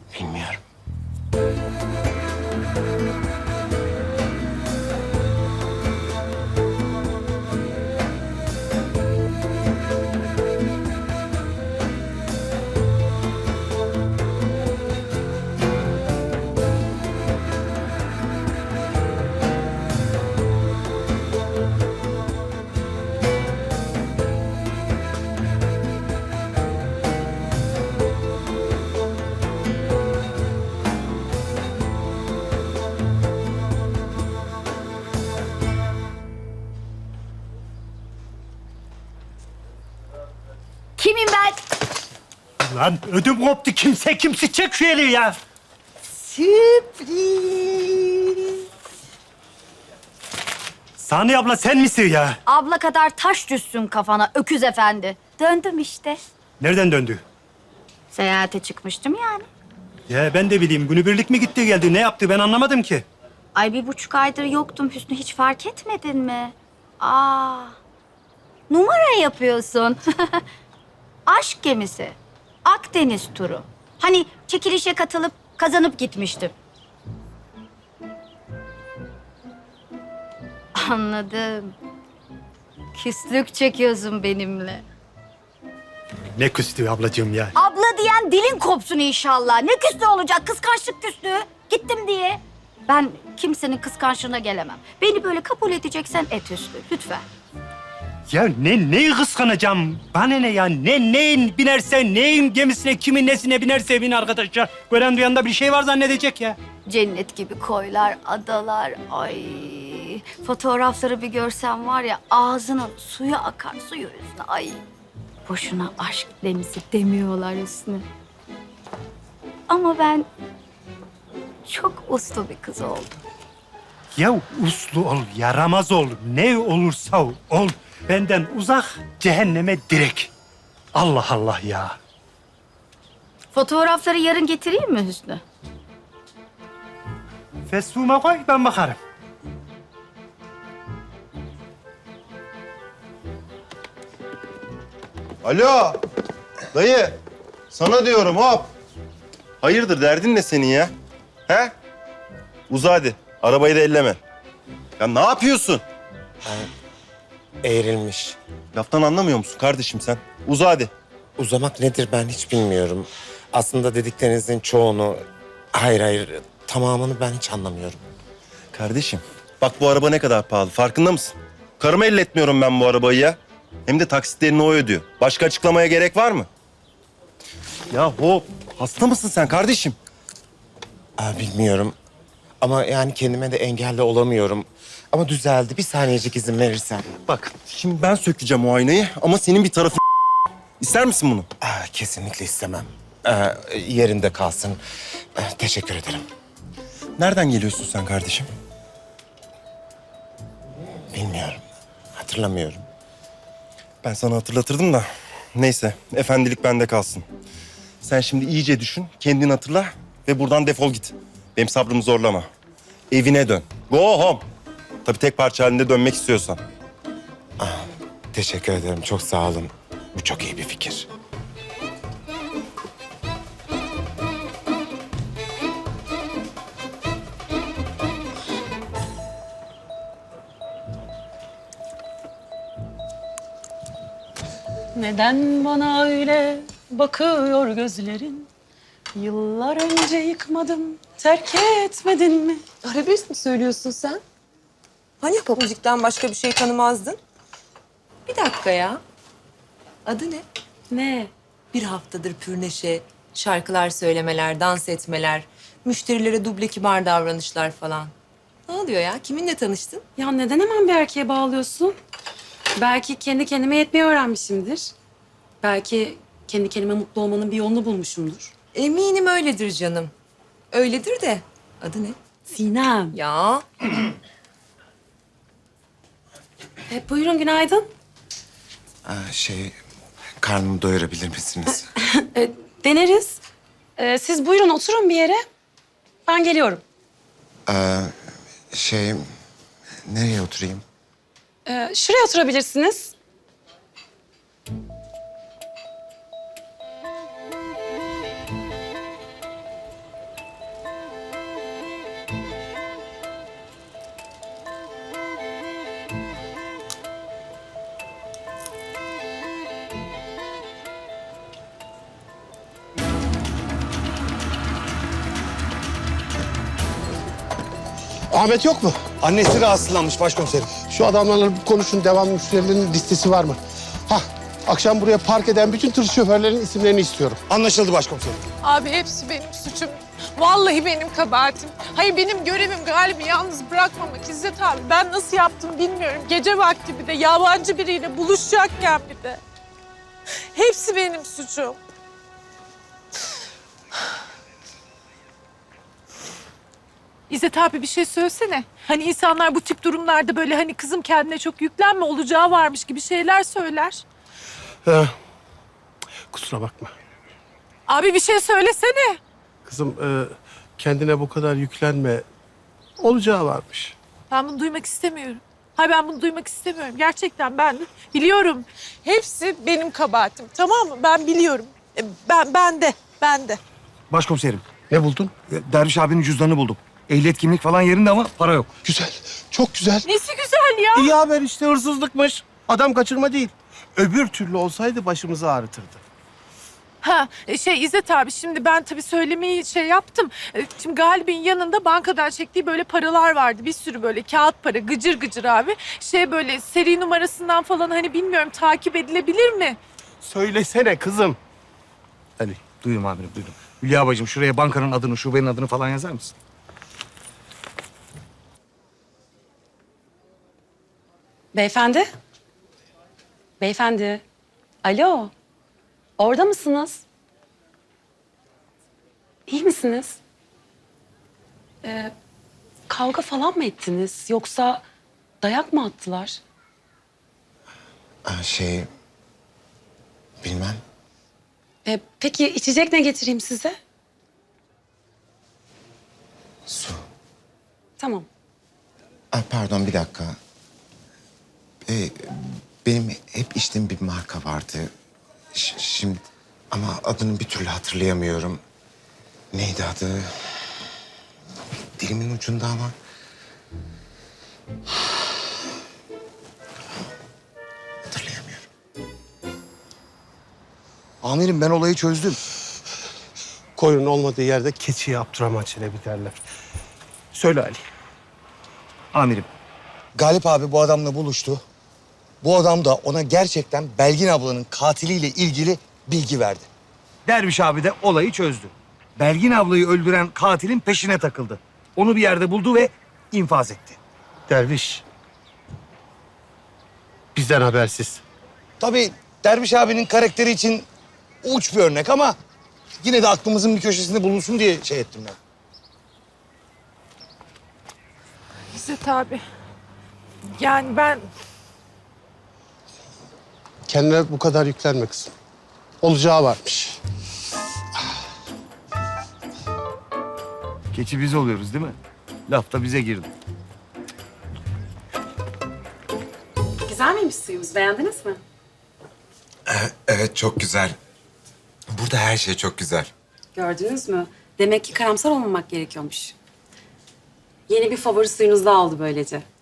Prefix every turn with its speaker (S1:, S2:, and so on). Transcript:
S1: Bilmiyorum.
S2: Kimim ben?
S3: Lan ödüm koptu. Kimse çek şu eli ya.
S2: Sürpriz.
S3: Saniye abla sen misin ya?
S2: Abla kadar taş düşsün kafana öküz efendi. Döndüm işte.
S3: Nereden döndü?
S2: Seyahate çıkmıştım yani.
S3: Ya ben de bileyim. Günübirlik mi gitti geldi? Ne yaptı ben anlamadım ki.
S2: Ay 1,5 aydır yoktum Hüsnü, hiç fark etmedin mi? Aa, numara yapıyorsun. Aşk gemisi. Akdeniz turu. Hani çekilişe katılıp kazanıp gitmiştim. Anladım. Küslük çekiyorsun benimle.
S3: Ne küstü ablacığım ya.
S2: Abla diyen dilin kopsun inşallah. Ne küslü olacak? Kıskançlık küslüğü. Gittim diye. Ben kimsenin kıskançlığına gelemem. Beni böyle kabul edeceksen et Hüsnü. Lütfen.
S3: Ya neyi kıskanacağım? Bana ne ya? Neyin binersen, neyin gemisine, kimin nesine binerse bin arkadaşlar. Gören duyan da bir şey var zannedecek ya.
S2: Cennet gibi koylar, adalar. Ay, fotoğrafları bir görsen var ya, ağzının suyu akar, suyu üstüne. Ay, boşuna aşk gemisi demiyorlar Hüsnü. Ama ben çok uslu bir kız oldum.
S3: Ya uslu ol, yaramaz ol, ne olursa ol. Benden uzak, cehenneme direkt. Allah Allah ya.
S2: Fotoğrafları yarın getireyim mi Hüsnü?
S3: Fesuma koy, ben bakarım.
S4: Alo. Dayı. Sana diyorum hop. Hayırdır derdin ne senin ya? He? Uza hadi. Arabayı da elleme. Ya ne yapıyorsun?
S1: Eğrilmiş.
S4: Laftan anlamıyor musun kardeşim sen? Uza hadi.
S1: Uzamak nedir ben hiç bilmiyorum. Aslında dediklerinizin çoğunu... Hayır, tamamını ben hiç anlamıyorum.
S4: Kardeşim bak bu araba ne kadar pahalı farkında mısın? Karıma elletmiyorum ben bu arabayı ya. Hem de taksitlerini o ödüyor. Başka açıklamaya gerek var mı? Ya hop. Hasta mısın sen kardeşim?
S1: Bilmiyorum. Ama yani kendime de engelle olamıyorum. Ama düzeldi. Bir saniyecik izin verirsen.
S4: Bak şimdi ben sökeceğim o aynayı ama senin bir tarafın... İster misin bunu?
S1: Kesinlikle istemem. Yerinde kalsın. Teşekkür ederim.
S4: Nereden geliyorsun sen kardeşim?
S1: Bilmiyorum. Hatırlamıyorum.
S4: Ben sana hatırlatırdım da. Neyse, efendilik bende kalsın. Sen şimdi iyice düşün, kendin hatırla ve buradan defol git. Benim sabrımı zorlama. Evine dön. Go home. Tabii tek parça halinde dönmek istiyorsan.
S1: Teşekkür ederim. Çok sağ olun. Bu çok iyi bir fikir.
S5: Neden bana öyle bakıyor gözlerin? Yıllar önce yıkmadım, terk etmedin mi?
S6: Arabesk mi söylüyorsun sen? Hani pop müzikten başka bir şey tanımazdın? Bir dakika ya. Adı ne?
S5: Ne?
S6: Bir haftadır pür neşe, şarkılar söylemeler, dans etmeler, müşterilere duble kibar davranışlar falan. Ne oluyor ya? Kiminle tanıştın?
S5: Ya neden hemen bir erkeğe bağlıyorsun? Belki kendi kendime yetmeyi öğrenmişimdir. Belki kendi kendime mutlu olmanın bir yolunu bulmuşumdur.
S6: Eminim öyledir canım. Öyledir de. Adı ne?
S5: Sinem.
S6: Ya.
S5: Buyurun günaydın.
S1: Karnımı doyurabilir misiniz?
S5: Deneriz. Siz buyurun oturun bir yere. Ben geliyorum.
S1: Nereye oturayım?
S5: Şuraya oturabilirsiniz.
S7: Ahmet yok mu?
S8: Annesi rahatsızlanmış başkomiserim.
S7: Şu adamlarla bir konuşun. Devamlı müşterilerin listesi var mı? Hah, akşam buraya park eden bütün tır şoförlerinin isimlerini istiyorum.
S8: Anlaşıldı başkomiserim.
S9: Abi hepsi benim suçum. Vallahi benim kabahatim. Hayır benim görevim Galip'i yalnız bırakmamak İzzet abi. Ben nasıl yaptım bilmiyorum. Gece vakti bir de yabancı biriyle buluşacakken bir de. Hepsi benim suçum. İzzet abi bir şey söylesene. Hani insanlar bu tip durumlarda böyle hani kızım kendine çok yüklenme olacağı varmış gibi şeyler söyler.
S7: Kusura bakma.
S9: Abi bir şey söylesene.
S7: Kızım kendine bu kadar yüklenme. Olacağı varmış.
S9: Ben bunu duymak istemiyorum. Hayır ben bunu duymak istemiyorum. Gerçekten ben biliyorum. Hepsi benim kabahatim. Tamam mı? Ben biliyorum. Ben de.
S8: Başkomiserim,
S7: Ne buldun?
S8: Derviş abinin cüzdanını buldum. Ehliyet kimlik falan yerinde ama para yok.
S7: Güzel. Çok güzel.
S9: Nesi güzel ya?
S7: İyi haber işte, hırsızlıkmış. Adam kaçırma değil. Öbür türlü olsaydı başımızı ağrıtırdı.
S9: Ha İzzet abi şimdi ben tabii söylemeyi yaptım. Şimdi Galip'in yanında bankadan çektiği böyle paralar vardı. Bir sürü böyle kağıt para gıcır gıcır abi. Böyle seri numarasından falan hani bilmiyorum takip edilebilir mi?
S7: Söylesene kızım.
S8: Ali, duydum amirim, duydum. Hülya bacım şuraya bankanın adını, şubenin adını falan yazar mısın?
S5: Beyefendi? Beyefendi? Alo? Orada mısınız? İyi misiniz? Kavga falan mı ettiniz? Yoksa dayak mı attılar?
S1: Bilmem.
S5: Peki içecek ne getireyim size?
S1: Su.
S5: Tamam.
S1: Pardon bir dakika. Benim hep içtiğim bir marka vardı. Şimdi ama adını bir türlü hatırlayamıyorum. Neydi adı? Dilimin ucunda ama. Hatırlayamıyorum.
S8: Amirim ben olayı çözdüm.
S7: Koyunun olmadığı yerde keçiye Abdurrahman Çelebi derler. Söyle Ali.
S8: Amirim, Galip abi bu adamla buluştu. Bu adam da ona gerçekten Belgin ablanın katiliyle ilgili bilgi verdi. Derviş abi de olayı çözdü. Belgin ablayı öldüren katilin peşine takıldı. Onu bir yerde buldu ve infaz etti.
S7: Derviş. Bizden habersiz.
S8: Tabii Derviş abinin karakteri için uç bir örnek ama yine de aklımızın bir köşesinde bulunsun diye şey ettim ben.
S9: İzzet abi. Yani ben
S7: Kendine bu kadar yüklenme kızım. Olacağı varmış.
S8: Keçi biz oluyoruz değil mi? Laf da bize girdi.
S5: Güzel miymiş suyumuz? Beğendiniz mi?
S1: Evet çok güzel. Burada her şey çok güzel.
S5: Gördünüz mü? Demek ki karamsar olmamak gerekiyormuş. Yeni bir favori suyunuz da oldu böylece.